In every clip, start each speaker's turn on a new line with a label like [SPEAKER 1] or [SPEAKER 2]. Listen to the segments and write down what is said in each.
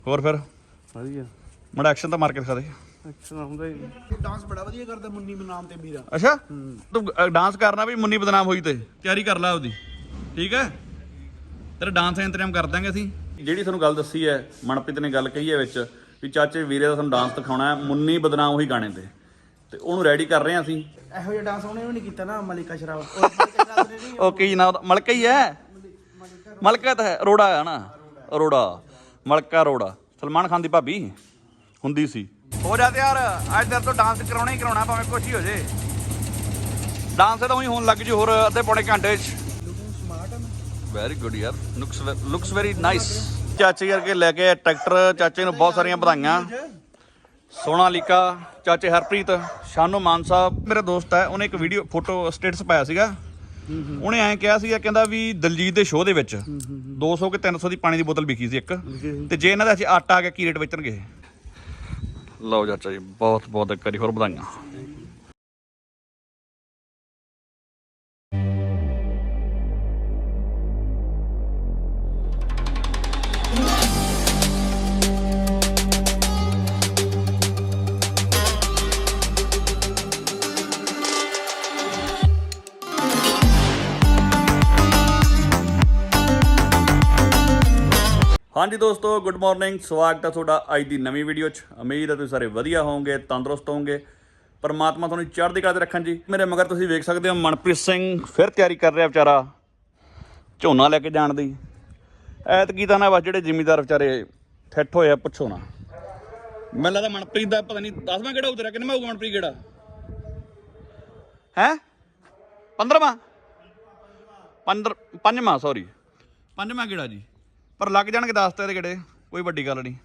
[SPEAKER 1] ਹੋਰ ਫਿਰ
[SPEAKER 2] ਵਧੀਆ
[SPEAKER 1] ਮੜਾ ਐਕਸ਼ਨ ਤਾਂ ਮਾਰ ਕੇ ਦਿਖਾ ਦੇ।
[SPEAKER 2] ਐਕਸ਼ਨ ਆਉਂਦਾ ਹੀ ਨਹੀਂ।
[SPEAKER 3] ਡਾਂਸ ਬੜਾ ਵਧੀਆ ਕਰਦਾ ਮੁੰਨੀ ਬਨਾਮ ਤੇ ਵੀਰਾ।
[SPEAKER 1] ਅੱਛਾ ਤੂੰ ਡਾਂਸ ਕਰਨਾ ਵੀ ਮੁੰਨੀ ਬਦਨਾਮ ਹੋਈ ਤੇ ਤਿਆਰੀ ਕਰ ਲੈ ਉਹਦੀ, ਠੀਕ ਹੈ। ਤੇਰਾ ਡਾਂਸ ਦਾ ਇੰਤਜ਼ਾਮ ਕਰ ਦਾਂਗੇ ਅਸੀਂ। ਜਿਹੜੀ ਤੁਹਾਨੂੰ ਗੱਲ ਦੱਸੀ ਹੈ ਮਨਪ੍ਰੀਤ ਨੇ ਗੱਲ ਕਹੀ ਹੈ ਵਿੱਚ ਵੀ ਚਾਚੇ ਵੀਰੇ ਦਾ ਤੁਹਾਨੂੰ ਡਾਂਸ ਦਿਖਾਉਣਾ ਹੈ ਮੁੰਨੀ ਬਦਨਾਮ ਉਹੀ ਗਾਣੇ ਤੇ ਉਹਨੂੰ ਰੈਡੀ ਕਰ ਰਹੇ ਹਾਂ ਅਸੀਂ।
[SPEAKER 3] ਇਹੋ ਜਿਹਾ ਡਾਂਸ ਉਹਨੇ ਵੀ ਨਹੀਂ ਕੀਤਾ ਨਾ ਮਲਿਕਾ ਸ਼ਰਾਬ। ਮਲਿਕਾ ਸ਼ਰਾਬ ਨੇ ਨਹੀਂ
[SPEAKER 1] ਉਹ ਕੀ ਨਾ ਮਲਕਾ ਹੀ ਹੈ, ਮਲਕਾ ਤਾਂ ਹੈ, ਅਰੋੜਾ ਹੈ ਨਾ, ਅਰੋੜਾ ਮਲਕਾ ਅਰੋੜਾ ਸਲਮਾਨ ਖਾਨ ਦੀ ਭਾਬੀ ਹੁੰਦੀ ਸੀ। ਹੋ ਜਾ ਤਿਆਰ, ਅੱਜ ਤੇਰੇ ਤੋਂ ਡਾਂਸ ਕਰਾਉਣਾ ਹੀ ਕਰਾਉਣਾ ਭਾਵੇਂ ਕੁਛ ਹੀ ਹੋ ਜੇ। ਡਾਂਸ ਤਾਂ ਉਹੀ ਹੋਣ ਲੱਗ ਜੂ ਹੋਰ ਅੱਧੇ ਪੌਣੇ ਘੰਟੇ 'ਚ। ਵੈਰੀ ਗੁੱਡ ਯਾਰ, ਲੁਕਸ ਵੈਰੀ ਨਾਈਸ। ਚਾਚੇ ਕਰਕੇ ਲੈ ਕੇ ਟਰੈਕਟਰ, ਚਾਚੇ ਨੂੰ ਬਹੁਤ ਸਾਰੀਆਂ ਵਧਾਈਆਂ। ਸੋਨਾਲੀਕਾ, ਚਾਚੇ ਹਰਪ੍ਰੀਤ, ਸ਼ਾਨੋ ਮਾਨ ਸਾਹਿਬ ਮੇਰਾ ਦੋਸਤ ਹੈ, ਉਹਨੇ ਇੱਕ ਵੀਡੀਓ ਫੋਟੋ ਸਟੇਟਸ ਪਾਇਆ ਸੀਗਾ। ਉਹਨੇ ਐਂ ਕਿਹਾ ਸੀਗਾ, ਕਹਿੰਦਾ ਵੀ ਦਲਜੀਤ ਦੇ ਸ਼ੋਅ ਦੇ ਵਿੱਚ 200 ਕਿ 300 ਦੀ ਪਾਣੀ ਦੀ ਬੋਤਲ ਵਿਕੀ ਸੀ ਇੱਕ, ਤੇ ਜੇ ਇਹਨਾਂ ਦਾ ਅਸੀਂ ਆਟਾ ਆ ਗਿਆ ਕੀ ਰੇਟ ਵੇਚਣਗੇ। ਲਓ ਚਾਚਾ ਜੀ, ਬਹੁਤ ਬਹੁਤ ਇੱਕ ਵਾਰੀ ਹੋਰ ਵਧਾਈਆਂ। ਹਾਂਜੀ ਦੋਸਤੋ, ਗੁੱਡ ਮਾਰਨਿੰਗ, ਸਵਾਗਤ ਹੈ ਤੁਹਾਡਾ ਅੱਜ ਦੀ ਨਵੀਂ ਵੀਡੀਓ 'ਚ। ਉਮੀਦ ਹੈ ਤੁਸੀਂ ਸਾਰੇ ਵਧੀਆ ਹੋਵੋਗੇ, ਤੰਦਰੁਸਤ ਹੋਵੋਗੇ, ਪਰਮਾਤਮਾ ਤੁਹਾਨੂੰ ਚੜ੍ਹਦੀ ਕਲਾ 'ਤੇ ਰੱਖਣ ਜੀ। ਮੇਰੇ ਮਗਰ ਤੁਸੀਂ ਵੇਖ ਸਕਦੇ ਹੋ ਮਨਪ੍ਰੀਤ ਸਿੰਘ ਫਿਰ ਤਿਆਰੀ ਕਰ ਰਿਹਾ ਵਿਚਾਰਾ ਝੋਨਾ ਲੈ ਕੇ ਜਾਣ ਦੀ। ਐਤਕੀ ਤਾਂ ਨਾ ਬਸ ਜਿਹੜੇ ਜ਼ਿਮੀਂਦਾਰ ਵਿਚਾਰੇ ਠੱਠ ਹੋਏ ਆ ਪੁੱਛੋ ਨਾ। ਮੈਨੂੰ ਲੱਗਦਾ ਮਨਪ੍ਰੀਤ ਦਾ ਪਤਾ ਨਹੀਂ 10ਵਾਂ ਕਿਹੜਾ ਉਤਰਿਆ, ਕਿੰਨਾ ਹੋਊਗਾ ਮਨਪ੍ਰੀਤ ਕਿਹੜਾ ਹੈ? 15ਵਾਂ ਸੌਰੀ 5ਵਾਂ ਕਿਹੜਾ ਜੀ, ਪਰ ਲੱਗ ਜਾਣਗੇ 10 ਤੇ ਇਹਦੇ ਕਿਹੜੇ, ਕੋਈ ਵੱਡੀ ਗੱਲ ਨਹੀਂ।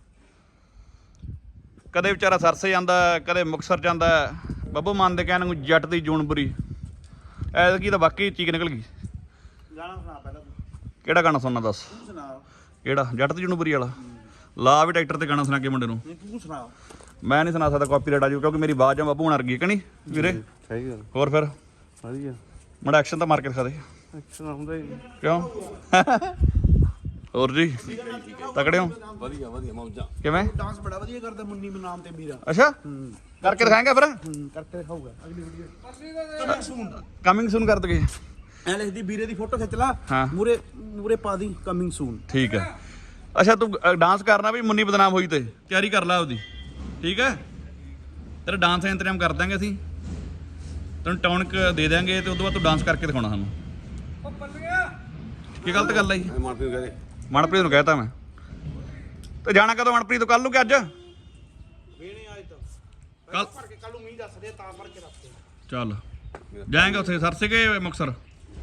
[SPEAKER 1] ਕਦੇ ਵਿਚਾਰਾ ਸਰਸੇ ਜਾਂਦਾ, ਕਦੇ ਮੁਕਤਸਰ ਜਾਂਦਾ। ਬੱਬੂ ਮਾਨ ਦੇ ਕਹਿਣ ਨੂੰ ਜੱਟ ਦੀ ਜੂਨ ਬੁਰੀ, ਐਤਕੀ ਤਾਂ ਬਾਕੀ ਚੀਕ ਨਿਕਲ ਗਈ।
[SPEAKER 3] ਗਾਣਾ ਸੁਣਾ ਪਹਿਲਾਂ ਤੂੰ।
[SPEAKER 1] ਕਿਹੜਾ ਗਾਣਾ ਸੁਣਨਾ ਦੱਸ?
[SPEAKER 3] ਤੂੰ ਸੁਣਾ।
[SPEAKER 1] ਕਿਹੜਾ? ਜੱਟ ਦੀ ਜੂਨ ਬੁਰੀ ਵਾਲਾ ਲਾ ਵੀ ਟਰੈਕਟਰ ਤੇ ਗਾਣਾ ਸੁਣਾ ਕੇ ਮੁੰਡੇ ਨੂੰ।
[SPEAKER 3] ਨਹੀਂ ਤੂੰ ਸੁਣਾ।
[SPEAKER 1] ਮੈਂ ਨਹੀਂ ਸੁਣਾ ਸਕਦਾ, ਕਾਪੀਰਾਈਟ ਆ ਜਾਊ, ਕਿਉਂਕਿ ਮੇਰੀ ਆਵਾਜ਼ ਆ ਬੱਬੂ ਹੁਣ ਅਰਗੀ ਕਿ ਨਹੀਂ ਵੀਰੇ?
[SPEAKER 2] ਸਹੀ ਗੱਲ।
[SPEAKER 1] ਹੋਰ ਫਿਰ
[SPEAKER 2] ਵਧੀਆ
[SPEAKER 1] ਮੜਾ ਐਕਸ਼ਨ ਤਾਂ ਮਾਰ ਕੇ ਦਿਖਾ ਦੇ।
[SPEAKER 2] ਐਕਸ਼ਨ ਆਉਂਦਾ ਹੀ ਨਹੀਂ।
[SPEAKER 1] ਕਿਉਂ? ਹੋਰ ਜੀ ਤਕੜੇ ਹੋ?
[SPEAKER 2] ਵਧੀਆ ਵਧੀਆ ਮੌਜਾਂ।
[SPEAKER 1] ਕਿਵੇਂ?
[SPEAKER 3] ਡਾਂਸ ਬੜਾ ਵਧੀਆ ਕਰਦਾ ਮੁੰਨੀ ਬਨਾਮ ਤੇ ਵੀਰਾ।
[SPEAKER 1] ਅੱਛਾ ਕਰਕੇ ਦਿਖਾਏਂਗੇ ਫਿਰ?
[SPEAKER 3] ਕਰਕੇ ਦਿਖਾਊਗਾ ਅਗਲੀ video. Coming soon.
[SPEAKER 1] Coming soon ਕਰ ਦਗੇ।
[SPEAKER 3] ਐ ਲਿਖਦੀ ਵੀਰੇ ਦੀ ਫੋਟੋ ਖਿੱਚ ਲਾ,
[SPEAKER 1] ਹਾਂ।
[SPEAKER 3] ਮੂਰੇ ਪਾ ਦੀ ਕਮਿੰਗ ਸੂਨ।
[SPEAKER 1] ਠੀਕ ਹੈ। ਅੱਛਾ ਤੂੰ ਡਾਂਸ ਕਰਨਾ ਵੀ ਮੁੰਨੀ ਬਦਨਾਮ ਹੋਈ ਤੇ ਤਿਆਰੀ ਕਰ ਲੈ ਉਹਦੀ, ਠੀਕ ਹੈ। ਤੇਰਾ ਡਾਂਸ ਦਾ ਇੰਤਜ਼ਾਮ ਕਰ ਦਾਂਗੇ ਅਸੀਂ, ਤੈਨੂੰ ਟੌਨਿਕ ਦੇ ਦਾਂਗੇ ਤੇ ਉਦੋਂ ਬਾਅਦ ਤੂੰ ਡਾਂਸ ਕਰਕੇ ਦਿਖਾਉਣਾ ਸਾਨੂੰ। ਕੀ ਗਲਤ ਗੱਲ ਹੈ ਜੀ? ਮਨਪ੍ਰੀਤ ਨੂੰ ਕਹਿਤਾ ਮੈਂ। ਤੇ ਜਾਣਾ ਕਦੋਂ ਮਨਪ੍ਰੀਤ ਤੋਂ? ਕੱਲ ਨੂੰ ਕਿ ਅੱਜ?
[SPEAKER 3] ਵੇਣੇ ਅੱਜ ਤਾਂ
[SPEAKER 1] ਕੱਲ
[SPEAKER 3] ਕੱਲ ਨੂੰ ਮੀਂਹ ਦੱਸਦੇ ਤਾਂ ਭਰ ਕੇ ਰੱਖਦੇ।
[SPEAKER 1] ਚੱਲ ਜਾਏਂਗੇ ਉੱਥੇ ਸਰਸੇ ਕੇ ਮੁਕਤਸਰ?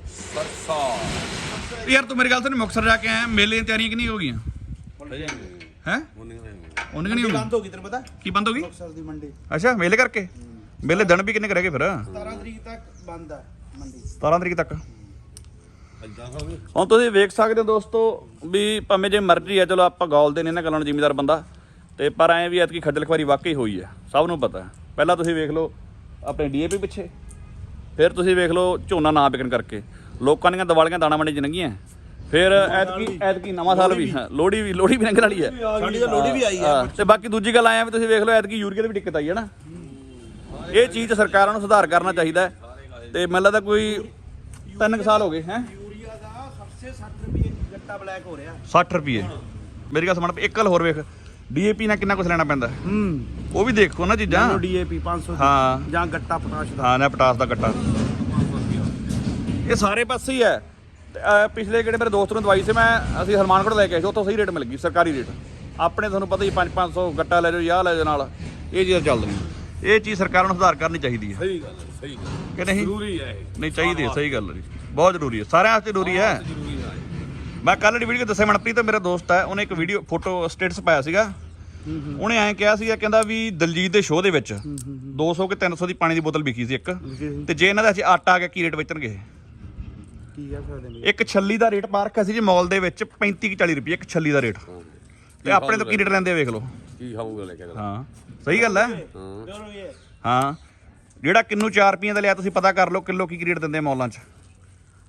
[SPEAKER 1] ਯਾਰ ਤੂੰ ਮੇਰੀ ਗੱਲ ਸੁਣ, ਮੁਕਤਸਰ ਜਾ ਕੇ ਆਇਆ, ਮੇਲੇ ਦੀਆਂ ਤਿਆਰੀਆਂ ਕਿੰਨੀ ਹੋ ਗਈਆਂ ਹੈ? ਉਹਨੇ ਨਹੀਂ
[SPEAKER 3] ਬੰਦ ਹੋ ਗਈ ਤੈਨੂੰ ਪਤਾ?
[SPEAKER 1] ਕੀ ਬੰਦ ਹੋ ਗਈ?
[SPEAKER 3] ਮੁਕਤਸਰ ਦੀ ਮੰਡੀ
[SPEAKER 1] ਅੱਛਾ ਮੇਲੇ ਕਰਕੇ? ਮੇਲੇ ਦਿਨ ਵੀ ਕਿੰਨੇ ਕੁ ਰਹਿ ਗਏ ਫਿਰ?
[SPEAKER 3] 17 ਤਰੀਕ ਤੱਕ ਬੰਦ ਹੈ ਮੰਡੀ।
[SPEAKER 1] 17 ਤਰੀਕ ਤੱਕ। ਹੁਣ ਤੁਸੀਂ ਵੇਖ ਸਕਦੇ ਹੋ ਦੋਸਤੋ ਵੀ ਭਾਵੇਂ ਜੇ ਮਰਜ਼ੀ ਹੈ, ਚਲੋ ਆਪਾਂ ਗੌਲਦੇ ਨੇ ਇਹਨਾਂ ਗੱਲਾਂ ਨੂੰ, ਜ਼ਿਮੀਦਾਰ ਬੰਦਾ ਤੇ ਪਰ ਐਂ ਵੀ ਐਤਕੀ ਖੱਜਲ ਖੁਆਰੀ ਵਾਕਈ ਹੋਈ ਹੈ, ਸਭ ਨੂੰ ਪਤਾ। ਪਹਿਲਾਂ ਤੁਸੀਂ ਵੇਖ ਲਓ ਆਪਣੇ DAP ਪਿੱਛੇ, ਫਿਰ ਤੁਸੀਂ ਵੇਖ ਲਓ ਝੋਨਾ ਨਾ ਵਿਕਣ ਕਰਕੇ ਲੋਕਾਂ ਦੀਆਂ ਦੀਵਾਲੀਆਂ ਦਾਣਾ ਮੰਡੀ 'ਚ ਲੰਘੀਆਂ। ਫਿਰ ਐਤਕੀ ਨਵਾਂ ਸਾਲ ਵੀ, ਲੋਹੜੀ ਵੀ ਲੰਘਣ ਵਾਲੀ ਹੈ
[SPEAKER 3] ਸਾਡੀ ਤਾਂ ਲੋਹੜੀ ਵੀ ਆਈ ਹੈ।
[SPEAKER 1] ਤੇ ਬਾਕੀ ਦੂਜੀ ਗੱਲ ਆਇਆ ਵੀ ਤੁਸੀਂ ਵੇਖ ਲਓ ਐਤਕੀ ਯੂਰੀਆ ਦੀ ਵੀ ਦਿੱਕਤ ਆਈ ਹੈ ਨਾ। ਇਹ ਚੀਜ਼ ਸਰਕਾਰਾਂ ਨੂੰ ਸੁਧਾਰ ਕਰਨਾ ਚਾਹੀਦਾ। ਤੇ ਮੈਨੂੰ ਲੱਗਦਾ ਕੋਈ 3 ਸਾਲ ਹੋ ਗਏ ਹੈ।
[SPEAKER 3] 60 ਰੁਪਏ ਗੱਟਾ ਬਲੈਕ ਹੋ ਰਿਹਾ।
[SPEAKER 1] 60 ਰੁਪਏ ਮੇਰੀ ਗੱਲ ਸੁਣ। ਇੱਕ ਗੱਲ ਹੋਰ ਵੇਖ, DAP ਨਾਲ ਕਿੰਨਾ ਕੁਛ ਲੈਣਾ ਪੈਂਦਾ, ਉਹ ਵੀ ਦੇਖੋ ਨਾ ਚੀਜ਼ਾਂ।
[SPEAKER 3] DAP 500
[SPEAKER 1] ਹਾਂ
[SPEAKER 3] ਜਾਂ ਗੱਟਾ ਪਟਾਸ਼ ਦਾ।
[SPEAKER 1] ਹਾਂ ਨਾ ਪਟਾਸ ਦਾ ਗੱਟਾ, ਇਹ ਸਾਰੇ ਪਾਸੇ ਹੀ ਹੈ। ਤੇ ਪਿਛਲੇ ਕਿਹੜੇ ਮੇਰੇ ਦੋਸਤ ਨੂੰ ਦਵਾਈ ਸੀ ਮੈਂ, ਅਸੀਂ ਹਰਮਾਨਗੜ੍ਹ ਲੈ ਕੇ ਆਏ ਸੀ, ਉੱਥੋਂ ਸਹੀ ਰੇਟ ਮਿਲ ਗਈ, ਸਰਕਾਰੀ ਰੇਟ। ਆਪਣੇ ਤੁਹਾਨੂੰ ਪਤਾ ਹੀ 500 ਗੱਟਾ ਲੈ ਜਾਓ ਜਾਂ ਲੈ ਜਾਓ ਨਾਲ, ਇਹ ਚੀਜ਼ਾਂ ਚੱਲਦੀਆਂ। ਇਹ ਚੀਜ਼ ਸਰਕਾਰਾਂ ਨੂੰ ਸੁਧਾਰ ਕਰਨੀ ਚਾਹੀਦੀ ਹੈ।
[SPEAKER 2] ਸਹੀ ਗੱਲ ਹੈ, ਸਹੀ ਗੱਲ
[SPEAKER 1] ਕਿ ਨਹੀਂ?
[SPEAKER 2] ਜ਼ਰੂਰੀ ਹੈ ਇਹ।
[SPEAKER 1] ਨਹੀਂ ਚਾਹੀਦੀ ਹੈ, ਸਹੀ ਗੱਲ ਹੈ ਜੀ, ਬਹੁਤ ਜ਼ਰੂਰੀ ਹੈ, ਸਾਰਿਆਂ ਵਾਸਤੇ ਜ਼ਰੂਰੀ ਹੈ। ਮੈਂ ਕੱਲ੍ਹ ਦੀ ਵੀਡੀਓ ਦੱਸਿਆ, ਮਨਪ੍ਰੀਤ ਮੇਰਾ ਦੋਸਤ ਹੈ, ਉਹਨੇ ਇੱਕ ਵੀਡੀਓ ਫੋਟੋ ਸਟੇਟਸ ਪਾਇਆ ਸੀਗਾ। ਉਹਨੇ ਐਂ ਕਿਹਾ ਸੀਗਾ, ਕਹਿੰਦਾ ਵੀ ਦਲਜੀਤ ਦੇ ਸ਼ੋਅ ਦੇ ਵਿੱਚ 200 ਕਿ 300 ਦੀ ਪਾਣੀ ਦੀ ਬੋਤਲ ਵਿਕੀ ਸੀ ਇੱਕ, ਤੇ ਜੇ ਇਹਨਾਂ ਦਾ ਅਸੀਂ ਆਟਾ ਆ ਗਿਆ ਕੀ ਰੇਟ ਵੇਚਣਗੇ।
[SPEAKER 3] ਕੀ ਆ ਸਕਦੇ ਨੇ?
[SPEAKER 1] ਇੱਕ ਛੱਲੀ ਦਾ ਰੇਟ ਪਾ ਰੱਖਿਆ ਸੀ ਜੀ ਮਾਲ ਦੇ ਵਿੱਚ 35 40 ਰੁਪਏ ਇੱਕ ਛੱਲੀ ਦਾ ਰੇਟ, ਤੇ ਆਪਣੇ ਤੋਂ ਕੀ ਰੇਟ ਲੈਂਦੇ ਵੇਖ ਲਓ।
[SPEAKER 2] ਕੀ ਖਾਊਗਾ ਲੈ ਕੇ?
[SPEAKER 1] ਹਾਂ ਸਹੀ ਗੱਲ ਹੈ।
[SPEAKER 3] ਹਾਂ
[SPEAKER 1] ਹਾਂ ਜਿਹੜਾ ਕਿੰਨੂ 4 ਰੁਪਈਆਂ ਦਾ ਲਿਆ ਤੁਸੀਂ ਪਤਾ ਕਰ ਲਓ ਕਿਲੋ ਕੀ ਰੇਟ ਦਿੰਦੇ ਮਾਲਾਂ 'ਚ।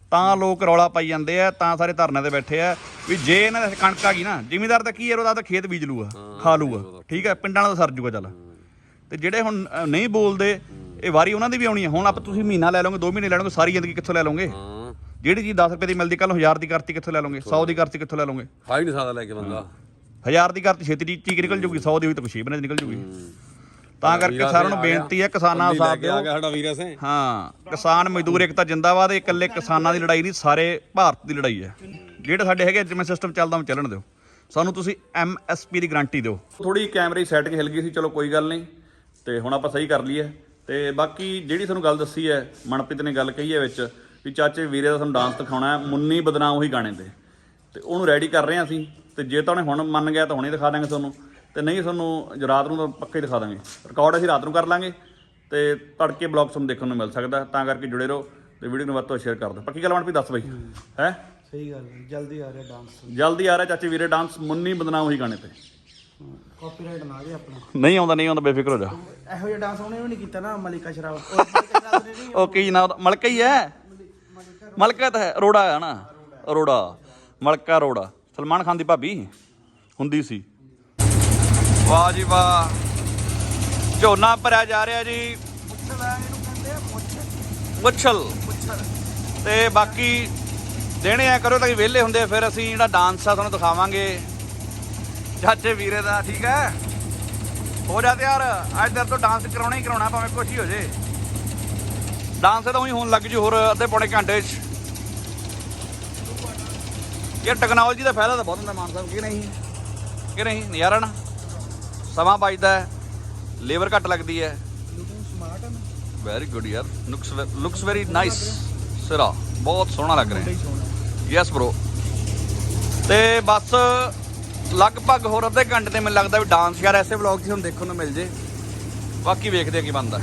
[SPEAKER 1] ਤਾਂ ਲੋਕ ਰੌਲਾ ਪਾਈ ਜਾਂਦੇ ਆ, ਤਾਂ ਸਾਰੇ ਧਰਨੇ ਤੇ ਬੈਠੇ ਆ ਵੀ ਜੇ ਇਹਨਾਂ ਦੇ ਕਣਕ ਆ ਗਈ ਨਾ, ਜ਼ਿਮੀਂਦਾਰ ਤਾਂ ਕੀ ਹੈ, ਉਹਦਾ ਤਾਂ ਖੇਤ ਬੀਜ ਲੂਗਾ, ਖਾ ਲੂਗਾ, ਠੀਕ ਹੈ, ਪਿੰਡਾਂ ਵਾਲਾ ਤਾਂ ਸਰ ਜੂਗਾ ਚੱਲ। ਤੇ ਜਿਹੜੇ ਹੁਣ ਨਹੀਂ ਬੋਲਦੇ, ਇਹ ਵਾਰੀ ਉਹਨਾਂ ਦੀ ਵੀ ਆਉਣੀ ਹੈ। ਹੁਣ ਆਪਾਂ ਤੁਸੀਂ ਮਹੀਨਾ ਲੈ ਲਓਗੇ, 2 ਮਹੀਨੇ ਲੈ ਲਓਗੇ, ਸਾਰੀ ਜ਼ਿੰਦਗੀ ਕਿੱਥੋਂ ਲੈ ਲਓਗੇ? ਜਿਹੜੀ ਚੀਜ਼ 10 ਰੁਪਏ ਦੀ ਮਿਲਦੀ ਕੱਲ 1000 ਦੀ ਕਰਤੀ ਕਿੱਥੋਂ ਲੈ ਲਓਗੇ? 100 ਦੀ ਕਰਤੀ ਕਿੱਥੋਂ ਲੈ ਲਓਗੇ?
[SPEAKER 2] ਖਾਈ ਨਹੀਂ ਸਕਦਾ ਲੈ ਕੇ ਬੰਦਾ।
[SPEAKER 1] 1000 ਦੀ ਕਰਤੀ ਛੇਤੀ ਚੀਕ ਨਿਕਲ ਜੂਗੀ, 100 ਦੀ ਹੋਈ ਤਾਂ 6 ਮਹੀਨੇ ਨਿਕਲ ਜੂਗੀ। ਤਾਂ ਕਰਕੇ ਸਾਰਿਆਂ ਨੂੰ ਬੇਨਤੀ ਹੈ, ਕਿਸਾਨਾਂ ਦਾ ਸਾਥ ਦਿਓ।
[SPEAKER 2] ਆ ਗਿਆ ਸਾਡਾ ਵੀਰ ਸਿੰਘ।
[SPEAKER 1] ਹਾਂ, ਕਿਸਾਨ ਮਜ਼ਦੂਰ ਏਕਤਾ ਜਿੰਦਾਬਾਦ। ਇਹ ਇਕੱਲੇ ਕਿਸਾਨਾਂ ਦੀ ਲੜਾਈ ਨਹੀਂ, ਸਾਰੇ ਭਾਰਤ ਦੀ ਲੜਾਈ ਹੈ। ਜਿਹੜੇ ਸਾਡੇ ਹੈਗੇ ਜਿਵੇਂ ਸਿਸਟਮ ਚੱਲਦਾ ਉਹ ਚੱਲਣ ਦਿਓ। ਸਾਨੂੰ ਤੁਸੀਂ MSP ਦੀ ਗਾਰੰਟੀ ਦਿਓ। ਥੋੜੀ ਕੈਮਰੇ ਸੈੱਟ 'ਚ ਹਿਲ ਗਈ ਸੀ, ਚਲੋ ਕੋਈ ਗੱਲ ਨਹੀਂ, ਤੇ ਹੁਣ ਆਪਾਂ ਸਹੀ ਕਰ ਲਈ ਹੈ। ਤੇ ਬਾਕੀ ਜਿਹੜੀ ਤੁਹਾਨੂੰ ਗੱਲ ਦੱਸੀ ਹੈ, ਮਨਪ੍ਰੀਤ ਨੇ ਗੱਲ ਕਹੀ ਹੈ ਵਿੱਚ ਵੀ ਚਾਚੇ ਵੀਰੇ ਦਾ ਤੁਹਾਨੂੰ ਡਾਂਸ ਦਿਖਾਉਣਾ ਹੈ, ਮੁੰਨੀ ਬਦਨਾਮ ਉਹੀ ਗਾਣੇ ਤੇ ਉਹਨੂੰ ਰੈਡੀ ਕਰ ਰਹੇ ਹਾਂ ਅਸੀਂ। ਤੇ ਜੇ ਤਾਂ ਉਹਨੇ ਹੁਣ ਮੰਨ ਗਿਆ ਤਾਂ ਹੁਣੇ ਦਿਖਾ ਦਾਂਗੇ ਤੁਹਾਨੂੰ, ਤੇ ਨਹੀਂ ਤੁਹਾਨੂੰ ਰਾਤ ਨੂੰ ਤਾਂ ਪੱਕਾ ਹੀ ਦਿਖਾ ਦਾਂਗੇ। ਰਿਕਾਰਡ ਅਸੀਂ ਰਾਤ ਨੂੰ ਕਰ ਲਾਂਗੇ ਤੇ ਤੜਕੇ ਬਲੌਗ ਤੁਹਾਨੂੰ ਦੇਖਣ ਨੂੰ ਮਿਲ ਸਕਦਾ। ਤਾਂ ਕਰਕੇ ਜੁੜੇ ਰਹੋ ਤੇ ਵੀਡੀਓ ਨੂੰ ਵੱਧ ਤੋਂ ਸ਼ੇਅਰ ਕਰ ਦਿਓ। ਪੱਕੀ ਗੱਲ ਮਨਪ੍ਰੀਤ ਦੱਸ ਬਈ ਹੈ?
[SPEAKER 3] ਸਹੀ ਗੱਲ ਹੈ, ਜਲਦੀ ਆ ਰਿਹਾ ਡਾਂਸ,
[SPEAKER 1] ਜਲਦੀ ਆ ਰਿਹਾ ਚਾਚੇ ਵੀਰੇ ਡਾਂਸ, ਮੁੰਨੀ ਬਦਨਾਮ ਉਹੀ ਗਾਣੇ ਤੇ।
[SPEAKER 3] ਕਾਪੀਰਾਈਟ ਨਾ ਜੇ ਆਪਣਾ।
[SPEAKER 1] ਨਹੀਂ ਆਉਂਦਾ ਬੇਫਿਕਰ ਹੋ ਜਾ।
[SPEAKER 3] ਇਹੋ ਜਿਹਾ ਡਾਂਸ ਉਹਨੇ ਵੀ ਨਹੀਂ ਕੀਤਾ ਨਾ, ਮਲਿਕਾ ਸ਼ਰਾਬ। ਉਹ ਮਲਿਕਾ ਸ਼ਰਾਬ ਨੇ ਨਹੀਂ,
[SPEAKER 1] ਉਹ ਕੀ ਨਾ ਮਲਕਾ ਹੀ ਹੈ, ਮਲਕਾ ਤਾਂ ਹੈ, ਅਰੋੜਾ ਹੈ ਨਾ, ਅਰੋੜਾ, ਮਲਕਾ ਅਰੋੜਾ। ਸਲਮਾਨ ਖਾਨ ਦੀ ਭਾਬੀ ਹੁੰਦੀ ਸੀ। ਵਾਹ ਜੀ ਵਾਹ, ਝੋਨਾ ਭਰਿਆ ਜਾ ਰਿਹਾ ਜੀ, ਮੁੱਛਲ। ਤੇ ਬਾਕੀ ਦੇਣੇ ਆ ਕਰੋ ਤਾਂ ਕਿ ਵਿਹਲੇ ਹੁੰਦੇ, ਫਿਰ ਅਸੀਂ ਜਿਹੜਾ ਡਾਂਸ ਆ ਤੁਹਾਨੂੰ ਦਿਖਾਵਾਂਗੇ ਚਾਚੇ ਵੀਰੇ ਦਾ, ਠੀਕ ਹੈ? ਹੋ ਜਾ ਤਿਆਰ, ਅੱਜ ਤੇਰੇ ਤੋਂ ਡਾਂਸ ਕਰਾਉਣਾ ਹੀ ਕਰਾਉਣਾ, ਭਾਵੇਂ ਕੁਛ ਹੀ ਹੋ ਜੇ। ਡਾਂਸ ਤਾਂ ਉਹੀ ਹੋਣ ਲੱਗ ਜੂ ਹੋਰ ਅੱਧੇ ਪੌਣੇ ਘੰਟੇ 'ਚ। ਯਾਰ ਟੈਕਨੋਲੋਜੀ ਦਾ ਫਾਇਦਾ ਤਾਂ ਬਹੁਤ ਹੁੰਦਾ ਮਾਨ ਸਾਹਿਬ, ਕਿ ਨਹੀਂ? ਕਿ ਨਹੀਂ? ਨਜ਼ਾਰਾ ਨਾ, ਸਮਾਂ ਬਚਦਾ ਹੈ, ਲੇਬਰ ਘੱਟ ਲੱਗਦੀ ਹੈ। ਵੈਰੀ ਗੁੱਡ ਯਾਰ, ਲੁਕਸ ਵੈਰੀ ਨਾਈਸ। ਸਿਰਾ ਬਹੁਤ ਸੋਹਣਾ ਲੱਗ ਰਿਹਾ। Yes bro. ਤੇ ਬਸ ਲਗਭਗ ਹੋਰ ਅੱਧੇ ਘੰਟੇ ਤੇ ਮੈਨੂੰ ਲੱਗਦਾ ਵੀ ਡਾਂਸ ਯਾਰ ਐਸੇ ਵਲੌਗ 'ਚ ਹੁਣ ਦੇਖਣ ਨੂੰ ਮਿਲ ਜੇ। ਬਾਕੀ ਵੇਖਦੇ ਆ ਕੀ ਬਣਦਾ।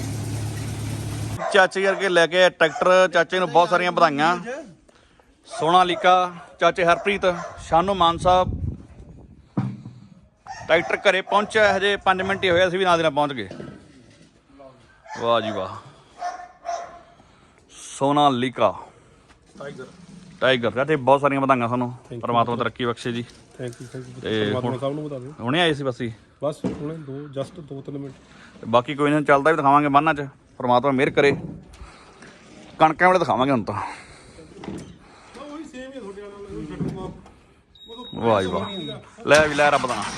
[SPEAKER 1] ਚਾਚੇ ਕਰਕੇ ਲੈ ਕੇ ਟਰੈਕਟਰ, ਚਾਚੇ ਨੂੰ ਬਹੁਤ ਸਾਰੀਆਂ ਵਧਾਈਆਂ। ਸੋਨਾਲੀਕਾ, ਚਾਚੇ ਹਰਪ੍ਰੀਤ, ਸ਼ਾਨੂ ਮਾਨ ਸਾਹਿਬ। ਟਰੈਕਟਰ ਘਰੇ ਪਹੁੰਚਿਆ, ਹਜੇ 5 ਮਿੰਟ ਹੀ ਹੋਏ, ਅਸੀਂ ਵੀ ਨਾਲ ਦੀ ਨਾਲ ਪਹੁੰਚ ਗਏ। ਵਾਹ ਜੀ ਵਾਹ, ਸੋਨਾਲੀਕਾ ਟਾਈਗਰ। ਚਾਚੇ ਬਹੁਤ ਸਾਰੀਆਂ ਵਧਾਈਆਂ ਸਾਨੂੰ, ਪਰਮਾਤਮਾ ਤਰੱਕੀ ਬਖਸ਼ੇ ਜੀ।
[SPEAKER 4] ਥੈਂਕ ਯੂ
[SPEAKER 1] ਤੇ
[SPEAKER 4] ਪਰਮਾਤਮਾ ਸਭ ਨੂੰ ਬਤਾ ਦਿਓ।
[SPEAKER 1] ਹੁਣੇ ਆਏ ਸੀ ਬਸ ਹੀ,
[SPEAKER 4] ਬਸ ਹੁਣੇ 2-3 ਮਿੰਟ।
[SPEAKER 1] ਬਾਕੀ ਕੋਈ ਨਹੀਂ, ਚੱਲਦਾ ਵੀ ਦਿਖਾਵਾਂਗੇ ਬੰਨਾਂ 'ਚ, ਪਰਮਾਤਮਾ ਮਿਹਰ ਕਰੇ। ਕਣਕਾਂ ਵੇਲੇ ਦਿਖਾਵਾਂਗੇ ਹੁਣ ਤਾਂ। ਵਾਹ ਜੀ ਵਾਹ, ਲੈ ਵੀ ਲੈ ਰੱਬ ਦਾ ਨਾਂ।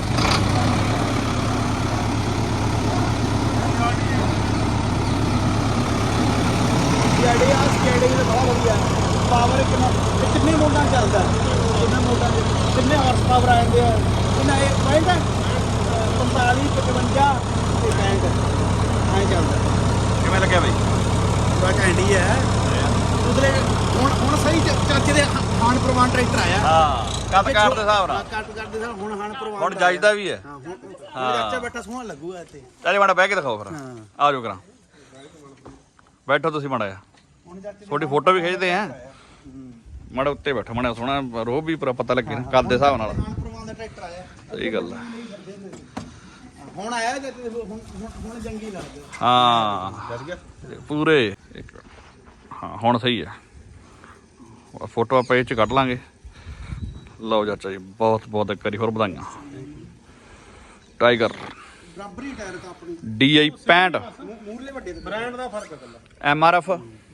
[SPEAKER 3] ਪਾਵਰ ਕਿੰਨੇ ਮੋਡਾਂ ਚੱਲਦਾ, ਕਿੰਨੇ ਮੋਡਾਂ ਦੇ ਕਿੰਨੇ ਹਾਰਸ ਪਾਵਰ ਆ ਜਾਂਦੇ ਆ? ਕਿੰਨਾ ਇਹ 65 45 55 ਤੇ 65 ਐਂ ਚੱਲਦਾ।
[SPEAKER 1] ਕਿਵੇਂ ਲੱਗਿਆ ਬਈ?
[SPEAKER 3] ਬੜਾ ਘੈਂਟੀ ਹੈ। ਉਧਰੇ ਹੁਣ ਸਹੀ ਚਾਚੇ ਦੇ ਹਾਨ ਪ੍ਰਵਾਨ ਟਰੈਕਟਰ ਆਇਆ।
[SPEAKER 1] ਹਾਂ, ਕੱਟ ਕਾਰ ਦੇ ਹਿਸਾਬ ਨਾਲ
[SPEAKER 3] ਕੱਟ ਕਰਦੇ ਸਰ ਹੁਣ ਹਾਨ ਪ੍ਰਵਾਨ
[SPEAKER 1] ਹੁਣ ਜਾਇਦਾ ਵੀ ਹੈ।
[SPEAKER 3] ਹਾਂ, ਹੁਣ ਚਾਚਾ ਬੈਠਾ ਸੋਹਣਾ ਲੱਗੂਗਾ ਇੱਥੇ।
[SPEAKER 1] ਚਾਚੇ ਮਾੜਾ ਬਹਿ ਕੇ ਦਿਖਾਓ ਫਿਰ।
[SPEAKER 3] ਹਾਂ।
[SPEAKER 1] ਆ ਜਾਓ ਕਰਾਂ, ਬੈਠੋ ਤੁਸੀਂ ਮਾੜਾ ਜਿਹਾ, ਤੁਹਾਡੀ ਫੋਟੋ ਵੀ ਖਿੱਚਦੇ ਆ। ਮਾੜਾ ਉੱਤੇ ਬੈਠੋ, ਮਾੜਾ ਸੋਹਣਾ ਰੋਹ ਵੀ ਪੂਰਾ ਪਤਾ ਲੱਗੇ ਨਾ ਕੱਦ ਦੇ ਹਿਸਾਬ ਨਾਲ।
[SPEAKER 3] ਹਾਨ ਪ੍ਰਵਾਨ ਦਾ ਟਰੈਕਟਰ ਆਇਆ।
[SPEAKER 1] ਸਹੀ ਗੱਲ ਹੈ।
[SPEAKER 3] ਹੁਣ ਆਇਆ ਜੇ ਹੁਣ ਜੰਗੀ ਲੱਗਦਾ।
[SPEAKER 1] ਹਾਂ ਪੂਰੇ ਹਾਂ, ਹੁਣ ਸਹੀ ਹੈ। ਫੋਟੋ ਆਪਾਂ ਇਹ 'ਚ ਕੱਢ ਲਾਂਗੇ। ਲਓ ਚਾਚਾ ਜੀ, ਬਹੁਤ ਬਹੁਤ ਇੱਕ ਵਾਰੀ ਹੋਰ ਵਧਾਈਆਂ। ਟਾਈਗਰ
[SPEAKER 3] ਬਰਾਬਰੀ ਟਾਇਰ ਤਾਂ ਆਪਣੀ
[SPEAKER 1] DI 65
[SPEAKER 3] ਮੂਰਲੇ ਵੱਡੇ ਤੇ
[SPEAKER 4] ਬ੍ਰਾਂਡ ਦਾ ਫਰਕ ਹੈ ਕੱਲਾ।
[SPEAKER 1] MRF।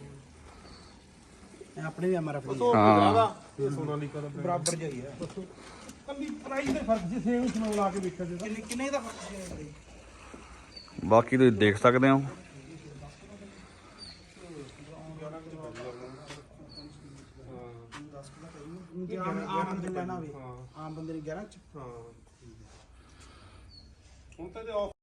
[SPEAKER 3] ਆਪਣੇ ਵੀ MRF ਦੀ
[SPEAKER 1] ਹਾਂ,
[SPEAKER 4] ਇਹ ਸੋਨਾਲੀਕਾ ਦਾ
[SPEAKER 3] ਬਰਾਬਰ ਜਿਹਾ ਹੀ ਹੈ।
[SPEAKER 4] ਕੱਲੀ ਪ੍ਰਾਈਸ ਦੇ ਫਰਕ ਜੀ, ਸੇਮ ਸੁਣੋ ਲਾ ਕੇ ਵੇਖਿਆ ਜੇ
[SPEAKER 3] ਕਿੰਨੇ ਦਾ ਫਰਕ ਹੈ?
[SPEAKER 1] ਬਾਕੀ ਤੁਸੀਂ ਦੇਖ ਸਕਦੇ ਹੋ।
[SPEAKER 3] ਆਮ ਬੰਦੇ ਲੈਣਾ ਹੋਵੇ, ਆਮ ਬੰਦੇ ਨੇ 11 ਚ।
[SPEAKER 4] ਹਾਂ ਹੁਣ ਤਾਂ ਜੇ ਆਫ